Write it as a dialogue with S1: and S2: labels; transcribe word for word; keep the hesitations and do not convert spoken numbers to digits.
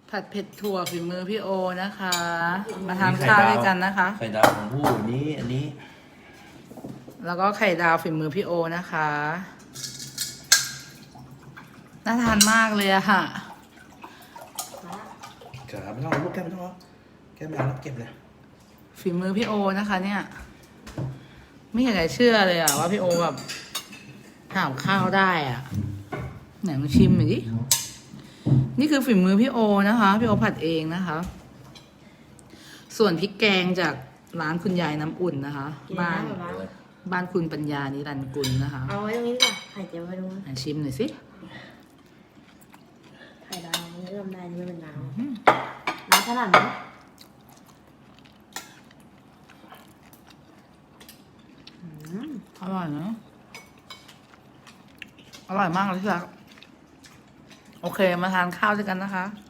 S1: ผัดเผ็ดถั่วฝีมือพี่โอนะคะ มาทานข้าวด้วยกันนะคะ
S2: ไข่ดาวของผู้นี้อันนี้
S1: แล้วก็ไข่ดาวฝีมือพี่โอนะคะน่าทานมากเลยอะค่ะ
S2: กระไม่ต้องเอาลูกแก้วไม่ต้องเอาแก้วไม่เอาแล้วเก็บเลย
S1: ฝีมือพี่โอนะคะ เนี่ย ไม่อยากจะเชื่อเลยอะว่าพี่โอแบบทำข้าวได้อะไหนมาชิมหน่อยดินี่คือฝีมือพี่โอนะคะพี่โอผัดเองนะคะ ส่วนพริกแกงจากร้านคุณยายน้ำอุ่นนะคะ บ้านบ้านคุณปัญญานิรันดร์กุลนะคะ
S3: เอาไว้ตรงนี้ดีกว่าไข่เจียวไว้ตรงนี้
S1: อ่ะชิมหน่อยสิ
S3: ไข่ดาวมันเริ่มได้นี่ไม่เป็นน้ำน้ำขนาดไหน
S1: อร่อยเนอะอร่อยมากเลยที่รักโอเคมาทานข้าวด้วยกันนะคะ